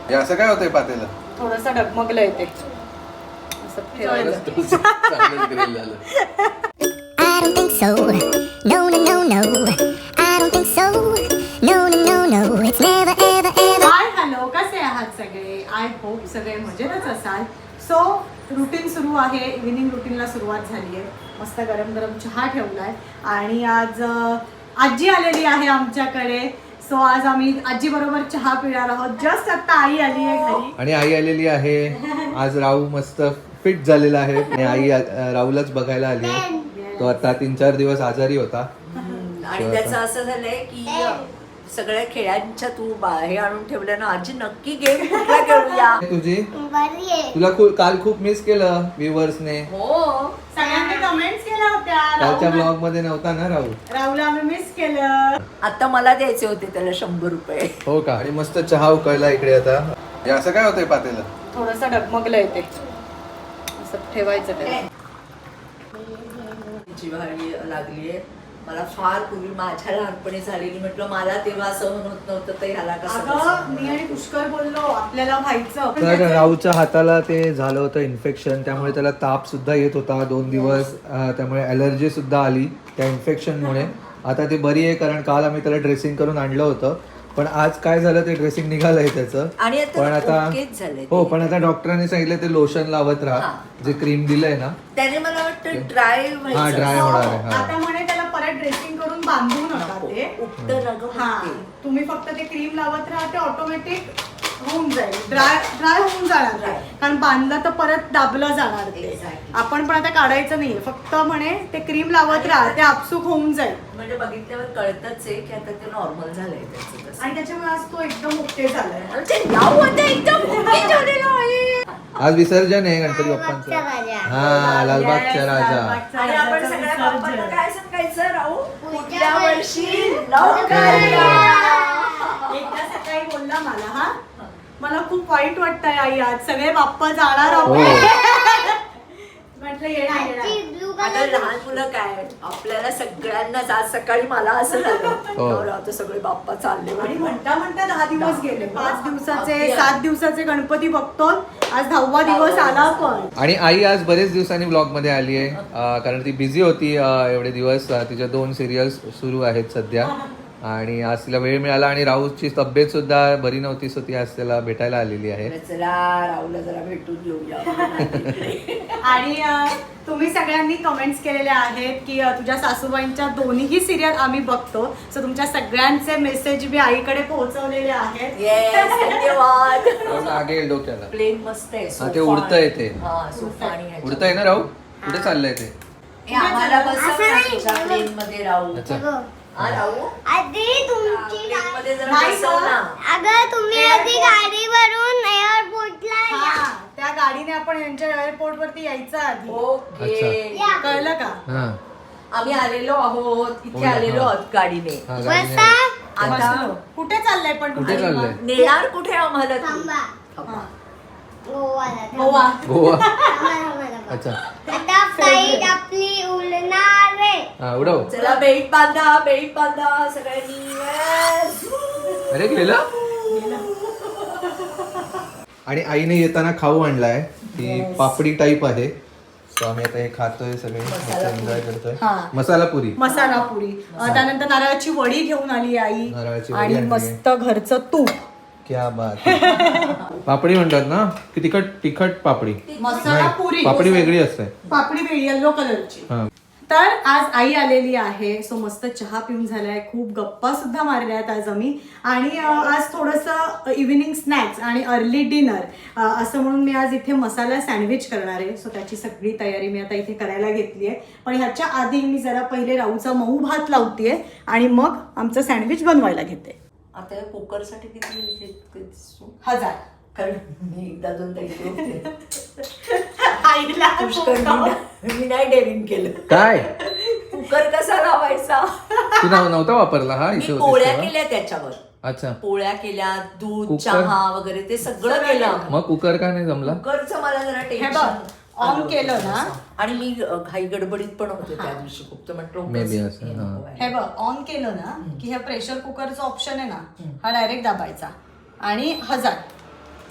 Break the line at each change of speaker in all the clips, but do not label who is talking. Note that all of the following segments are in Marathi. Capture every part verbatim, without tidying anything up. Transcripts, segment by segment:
हे असं काय होतंय पातेलं?
थोडंसं डगमगलं येते असं ठेवायला.
I don't think so. No, no, no, no. I don't think so. No, no, no, no. It's never, ever, ever.
Hi hello, कसे आहात सगळे? आय होप सगळे मजेतच असाल. सो रुटीन सुरू आहे, इव्हिनिंग रुटीनला सुरुवात झाली आहे. मस्त गरम गरम चहा ठेवलाय आणि आज अं, आजी आलेली आहे आमच्याकडे. सो आज आम्ही आजी बरोबर चहा पिणार आहोत. जस्ट आता आई आली आहे घरी
आणि आई आलेली आहे. आज राहू मस्त फिट झालेला आहे आणि आई अ, राहूलाच बघायला आली आहे. तो आता तीन चार दिवस आजारी होता
आणि त्याचं असं झालंय की सगळ्या खेळांच्या तू हे आणून ठेवलं ना, आजी नक्की गेम कुठला खेळूया.
तुझी
बरी आहे.
तुला खूप काल खूप मिस केलं व्ह्युअर्सने.
हो
सगळ्यांनी कमेंट्स केल्या होत्या.
कालच्या
राहुल-
ब्लॉग मध्ये नव्हता ना राहू.
राहुलला आम्ही मिस केलं.
आता मला द्यायचे होते त्याला शंभर रुपये.
हो का? आणि मस्त चहा उकळला इकडे आता. हे असं काय होतंय पातेलं?
थोडंसं डगमगलं येते असं ठेवायचं त्याला.
जिव्हाळी लागलीये मला फार पूर्वी माझ्या लहानपणी झालेली. म्हटलं मला तेव्हा असं होत नव्हतं तर ह्याला कसं
अगं
कसं?
मी आणि पुष्कर बोललो आपल्याला व्हायचं.
तर राहूच्या हाताला ते झालं होतं इन्फेक्शन, त्यामुळे त्याला ताप सुद्धा येत होता दोन दिवस. अं, त्यामुळे अलर्जी सुद्धा आली त्या इन्फेक्शनमुळे. आता ते बरी आहे कारण काल आम्ही त्याला ड्रेसिंग करून आणलं होतं. पण आज काय झालं ते ड्रेसिंग निघालंय त्याचं.
आणि आता
पण आता
ओकेच झालंय ते.
हो, पण आता डॉक्टरांनी सांगितलं ते लोशन लावत राहा,
हा.
जे क्रीम दिलंय ना.
त्याने मला वाटतं ड्राय
हा, ड्राय होणार आहे. हा.
आता म्हणे त्याला परत ड्रेसिंग करून बांधू नका ते.
उपट रग
हा
होते.
तुम्ही फक्त ते क्रीम लावत राहा, ते ऑटोमॅटिक होऊन जाईल. ड्राय ड्राय होऊन जाणार ते. कारण बांधलं तर परत दाबलं जाणार ते.
Exactly.
आपण पण आता काढायचं नाहीये, फक्त म्हणे ते क्रीम लावत राहा, ते आपसूक होऊन जाईल.
म्हणजे बघितल्यावर कळतच आहे की आता ते नॉर्मल झालंय त्याचं तसं.
आणि त्याच्यामुळे आज तो एकदम ओके झालाय.
आमचे नाव होतं एकदम ओके झालेलं आहे.
आज विसर्जन आहे गणपती
लालबागचा
बाप्पांचं.
राजा.
हा, लालबागचा
Yes,
राजा.
लालबागचा
आणि आपण
राजाचं
सगळ्या
विसर्जन.
बाप्पांना काय सांगायचं राहू?
पुढच्या
पुढच्या वर्षी
वर्षी
लवकर या.
एकदा सकाळी बोलला मला, हा मला खूप वाईट वाटतंय आई, आज सगळे बाप्पा जाणार
हो.
आहोत. म्हटलं येणार
आजची
येणार.
blue
आता
color
लहान मुलं काय आपल्याला सगळ्यांनाच आज सकाळी मला असं झालं
हो.
नवरा, आता सगळे बाप्पा चालले
आणि
म्हणे.
म्हणता म्हणता दहा दिवस गेले. पाच दिवसाचे
अगदी.
सात दिवसाचे गणपती बघतो, आज दहावा दिवस आला पण.
आणि आई आज बरेच दिवसांनी ब्लॉग मध्ये आली आहे कारण ती बिझी होती अं, एवढे दिवस. अं, तिच्या दोन सिरियल्स सुरू आहेत सध्या आणि आज तिला वेळ मिळाला. आणि राहूची तब्येत सुद्धा बरी नव्हती, सो ती आज त्याला भेटायला आलेली आहे.
चला राहुलला जरा भेटून घेऊया.
आणि अं, तुम्ही सगळ्यांनी कमेंट्स केलेले आहेत की अं, तुझ्या सासूबाईंच्या दोन्ही सिरियल आम्ही बघतो. सो तुमच्या सगळ्यांचे मेसेज मी आईकडे पोहोचवलेले आहेत.
येस धन्यवाद.
मागे येईल डोक्याला.
प्लेन मस्त आहे.
हा, ते उडतंय ते.
हा सोफा आणि ह्याच्यात.
उडतंय ना राहू? कुठे चाललंय ते?
हे आम्हाला बसव
असं
ना
नाही.
तुझ्या प्लेन मध्ये राहू.
अच्छा.
बघ.
हा राहू
आधी तुमची
प्लेन मध्ये जरा
नाही
बसव
गं.
ना.
अगं तुम्ही आधी गाडीवरून एअरपोर्टला या.
हा, त्या गाडीने आपण यांच्या एअरपोर्ट वरती यायचं आधी.
ओके
या.
कळलं का?
हा.
आम्ही आलेलो आहोत
हो
इथे
ना,
आलेलो
हा.
आहोत गाडीने.
हा, गाडीने
बसा.
आली.
आता
बसलो. कुठे चाललंय पण
कुठे
तुम्ही?
चाललंय?
नेणार कुठे आम्हाला तू?
थांबा.
थांबा.
गोवाला थांबा.
गोवा.
गोवा.
थांबा, थांबा, थांबा.
अच्छा.
आता फ्लाईट आपली उडणार आहे.
हा, उडव.
चला बेल्ट बांधा बेल्ट बांधा सगळ्यांनी. Yes.
अरे गेला. आणि आईने येताना खाऊ आणलाय. ती पापडी टाईप आहे. सो आम्ही आता हे खातोय सगळे, एन्जॉय करतोय.
हा.
मसाला पुरी.
मसाला पुरी. अं, त्यानंतर नारळाची वडी घेऊन आली आई.
नारळाची वडी
आणि
आणली.
मस्त घरचं तूप.
क्या बात है. पापडी म्हणतात ना की तिखट तिखट पापडी.
मसाला
नाही,
पुरी.
पापडी वेगळी असते.
पापडी वेगळी येल्लो कलरची.
हा.
तर आज आई आलेली आहे. सो मस्त चहा पिऊन झालाय, खूप गप्पा सुद्धा मारल्या आहेत आज आम्ही. आणि अं, आज थोडंसं इव्हिनिंग स्नॅक्स आणि अर्ली डिनर असं म्हणून मी आज इथे मसाला सँडविच करणार आहे. सो त्याची सगळी तयारी मी आता इथे करायला घेतली आहे. पण ह्याच्या आधी मी जरा पहिले राहूचा मऊ भात लावतेय आणि मग आमचं सँडविच बनवायला घेते.
आता या कुकर साठी किती किती सु-
हजार.
कारण मी एकदा दोनदा इथे होते.
आईला
पुष्कळ मी मी नाही डेअरिंग केलं.
काय
कुकर कसा लावायचा?
तू नव- नव्हता वापरला हा
मी
इशू
पोळ्या केल्या त्याच्यावर.
अच्छा.
पोळ्या केल्या, दूध
कुकर?
चहा वगैरे ते सगळं केलं.
मग कुकर का नाही जमला?
कुकरचं मला जरा
हे
टेन्शन
बघ, ऑन केलं ना.
आणि मी अ, घाई गडबडीत पण होते त्या दिवशी खूप. तर म्हटलं
Maybe
उगाच
असं,
हे
हा.
नको आहे.
हे बघ, ऑन केलं ना की हे प्रेशर कुकरचा ऑप्शन आहे ना, हा डायरेक्ट दाबायचा आणि हजार.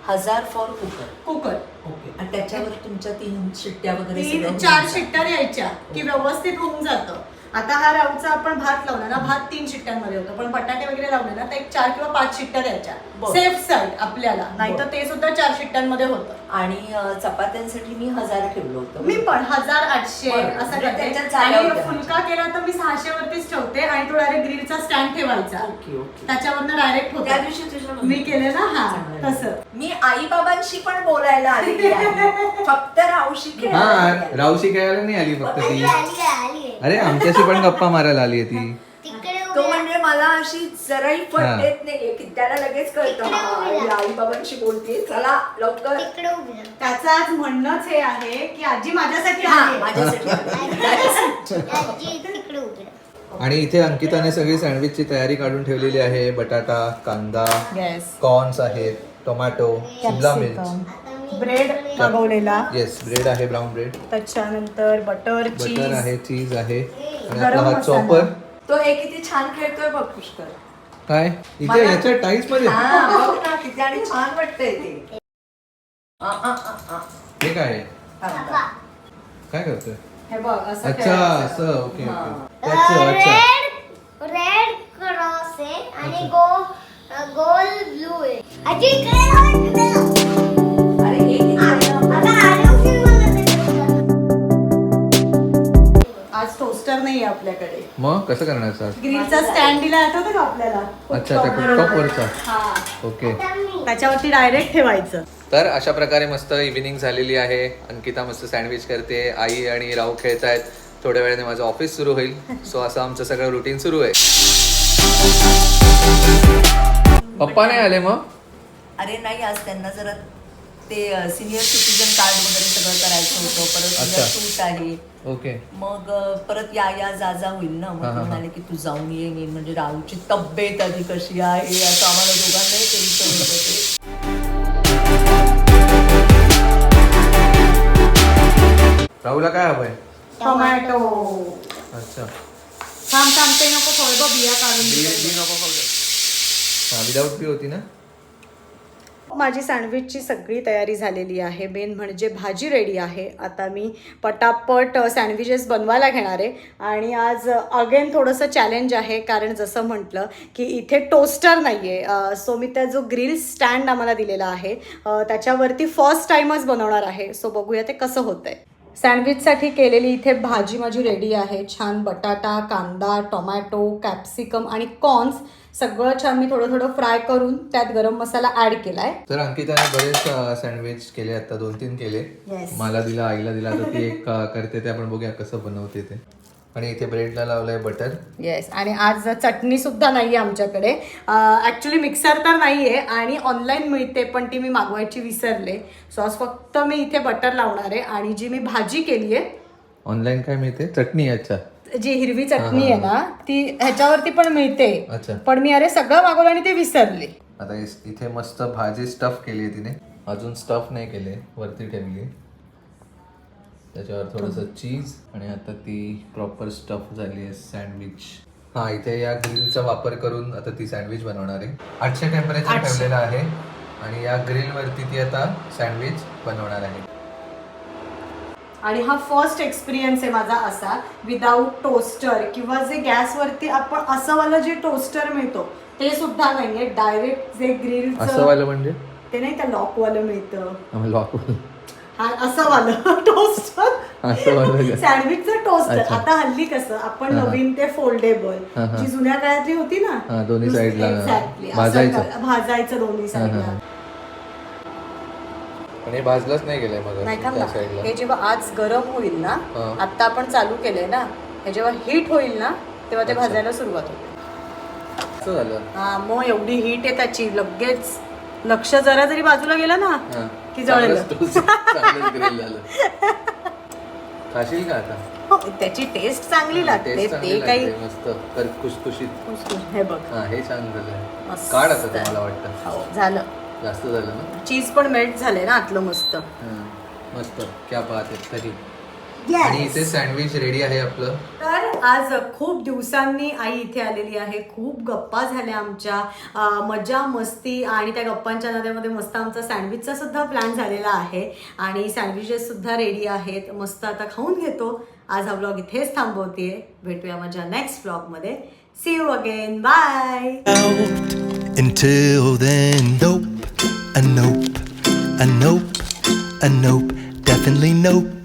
हजार फॉर कुकर.
Cooker
okay. आणि त्याच्यावर तुमच्या तीन शिट्ट्या वगैरे
तीन
सगळं
चार
होऊन
शिट्ट्या द्यायच्या की व्यवस्थित होऊन जातं. आता हा राऊचा आपण भात लावला ना, भात तीन शिट्ट्यांमध्ये होतो, पण बटाटे वगैरे लावले ना तर एक चार किंवा पाच शिट्ट्या द्यायच्या
बरं.
सेफ साईड आपल्याला, नाहीतर
बरं.
ते सुद्धा चार शिट्ट्यांमध्ये होतं.
आणि अं, चपात्यांसाठी मी हजार ठेवलं होतं.
मी पण हजार आठशे
बरं.
असं
म्हणजे
करते.
त्याच्यात झाल्या
आणि
होत्या.
फुलका केला तर मी सहाशे वरतीच ठेवते आणि तो डायरेक्ट ग्रिलचा स्टँड ठेवायचा,
ओके ओके.
त्याच्यावरनं डायरेक्ट
त्या
होता.
दिवशी तुझ्या
मी केले ना, हा
चांगलं.
तसं.
मी आई बाबांशी पण बोलायला आलेली आहे, फक्त रावशी खेळायला
हा
नाही आली.
रावशी खेळायला नाही आली फक्त ती.
आली आली
अरे आमच्याशी पण गप्पा मारायला आली आहे ती.
तिकडे
तो
उभ्या-
म्हणजे मला अशी जराही फट
हा.
देत नाहीये की त्याला लगेच कळतं
तिकडे
हा,
उभी राहा.
आई बाबांशी बोलते, चला लवकर.
तिकडे उभी राहा.
त्याचं आज म्हणणंच हे आहे की आजी माझ्यासाठी
हा,
आहे.
माझ्यासाठी आली.
आजी तिकडे उभी राहा.
आणि इथे अंकिताने सगळी सँडविचची तयारी काढून ठेवलेली आहे. बटाटा, कांदा,
येस,
कॉर्न्स आहेत, टोमॅटो, शिमला मिर्च,
आता मी
ब्रेड मागवलेला,
येस ब्रेड आहे, ब्राऊन ब्रेड,
त्याच्यानंतर बटर
बटर
चीज,
आहे, चीज आहे आणि
गरम
आपला हा
मसाला.
चॉपर.
तो हे किती छान खेळतोय बघ पुष्कर.
काय इथे
मला-
याच्या टाईल्स मध्ये
हा, बघ ना किती आणि छान वाटतंय ते. आ, आ, आ, आ.
हे काय आहे?
थांबा.
काय करतोय?
हे बघ असं
अच्छा
करायचं.
असं ओके
हा.
ओके त्याचं अच्छा
रेड रेड क्रॉस आहे आणि गो गोल ब्लू आहे. आजी इकडे राहा, इकडे राहा.
अरे हे किती आहे ना?
आता आलो की मला ते करू.
आज टोस्टर नाही आहे आपल्याकडे.
मग कसं करणार सर?
ग्रिलचा स्टँड दिला आठवतं का आपल्याला?
अच्छा त्या कुकटॉप वरचा
हा,
ओके.
आता मी
त्याच्यावरती डायरेक्ट ठेवायचं.
तर अशा प्रकारे मस्त इव्हिनिंग झालेली आहे. अंकिता मस्त सँडविच करते, आई आणि राहू खेळत आहेत. थोड्या वेळाने माझं ऑफिस सुरू होईल. सो असं आमचं सगळं रुटीन सुरू आहे. पप्पा नाही आले मग?
अरे नाही, आज त्यांना जरा ते सिनियर सिटीजन कार्ड वगैरे सगळं करायचं होतं. परत
अच्छा.
उद्या सूट आहे.
ओके
मग अ, परत या या जा जा होईल ना. मग
हा,
ते
हा,
म्हणाले की तू जाऊन ये. मी म्हणजे राहूची तब्येत आधी कशी आहे असं आम्हाला दोघांनाही टेन्शन होतं ते.
राहूला काय हवंय?
टोमॅटो.
अच्छा
थांब थांब ते नको फळबा बिया काढून
बी
दे.
बी नको खाऊ दे. हा विदाऊट बी होती ना?
माझी सँडविचची सगळी तयारी झालेली आहे. मेन म्हणजे भाजी रेडी आहे. आता मी पटापट सँडविचेस बनवायला घेणार आहे. आणि आज अगेन थोडंसं चॅलेंज आहे, कारण जसं म्हटलं की इथे टोस्टर नाही आहे. सो मी त्या जो ग्रिल स्टँड आम्हाला दिलेला आहे अ, त्याच्यावरती फर्स्ट टाईमच बनवणार आहे. सो बघूया ते कसं होतंय. सँडविचसाठी केलेली इथे भाजी माझी रेडी आहे. छान बटाटा, कांदा, टोमॅटो, कॅप्सिकम आणि कॉर्न्स सगळं छान मी थोडं थोडं फ्राय करून त्यात गरम मसाला ऍड केलाय.
तर अंकिताने बरेच सँडविच केले, आता दोन तीन केले.
Yes.
मला दिला, आईला दिला, तर ती एक अ, करते ते आपण बघूया कसं बनवते ते. आणि इथे ब्रेडला लावलंय बटर.
येस, आणि आज चटणी सुद्धा नाही आहे आमच्याकडे. ॲक्च्युली मिक्सर तर नाही आहे आणि ऑनलाईन मिळते, पण ती मी मागवायची विसरले. सो आज फक्त मी इथे बटर लावणार आहे. आणि जी मी भाजी केली आहे,
ऑनलाईन काय मिळते? चटणी. अच्छा
जी हिरवी चटणी आहे ना, ती ह्याच्यावरती पण मिळते.
अच्छा.
पण मी अरे सगळं मागवलं आणि ते विसरले.
आता इस- इथे मस्त भाजी स्टफ केली आहे तिने. अजून स्टफ नाही केले, वरती ठेवली. त्याच्यावर थोडंसं चीज आणि आता ती प्रॉपर स्टफ झाली आहे सँडविच. हा इथे या ग्रिलचा वापर करून आता ती सँडविच बनवणार आहे. आठशे टेम्परेचर
आठशे.
ठेवलेलं आहे आणि या ग्रिलवरती ती आता सँडविच बनवणार आहे.
आणि हा फर्स्ट एक्सपिरियन्स आहे माझा असा, विदाऊट टोस्टर किंवा जे गॅसवरती आपण असं वालं जे टोस्टर मिळतो ते सुद्धा नाहीये. डायरेक्ट जे ग्रिल
असं वालं म्हणजे
ते नाही, त्या लॉक वालं मिळतं.
लॉक
हा असं वालं टोस्टर,
असं वालं
सँडविचचं टोस्टर.
अच्छा.
आता हल्ली कसं आपण
हा, हा.
नवीन ते फोल्डेबल,
हा, हा.
जी जुन्या काळातली होती ना,
हा, दोन्ही साईडला
Exactly. असं
भाजायचं.
कर- भाजायचं दोन्ही
हा, हा,
साईडला.
हा. पण हे भाजलंच नाही गेलंय मग
नाही का
त्या
ना,
साईडला.
हे जेव्हा आज गरम होईल ना,
हा.
आता आपण चालू केलंय ना, हे जेव्हा हीट होईल ना तेव्हा ते
अच्छा.
भाजायला सुरुवात होते.
असं झालं.
हा, मग एवढी हीट आहे त्याची, लगेच लक्ष जरा जरी बाजूला गेलं ना
हा.
की जळलं.
चांगलंच toast- चांगलंच grill झालं. खाशील का आता?
हो, त्याची टेस्ट चांगली लागते.
Taste चांगली
ते काही
लागते, मस्त कर खुशखुशीत.
खुसखुस. हे बघ
हा हे छान झालंय.
मस्त.
काढ आता ते मला वाटतं.
हो, झालं.
जास्त झालं ना.
चीज पण मेल्ट झालंय ना आतलं मस्त.
हा. मस्त क्या बात आहे तरी. आणि इथे सँडविच रेडी आहे आपलं.
तर आज खूप दिवसांनी आई इथे आलेली आहे. खूप गप्पा झाल्या आमच्या, अं, मजा मस्ती आणि त्या गप्पांच्या नात्यामध्ये मस्त आमचा सँडविचचा सुद्धा प्लॅन झालेला आहे आणि सँडविचेस सुद्धा रेडी आहेत. मस्त आता खाऊन घेतो. आज हा व्लॉग इथेच थांबवतेय. भेटूया माझ्या नेक्स्ट व्लॉगमध्ये. See you again. Bye.
Until then, nope, a nope, a nope, a nope, definitely nope.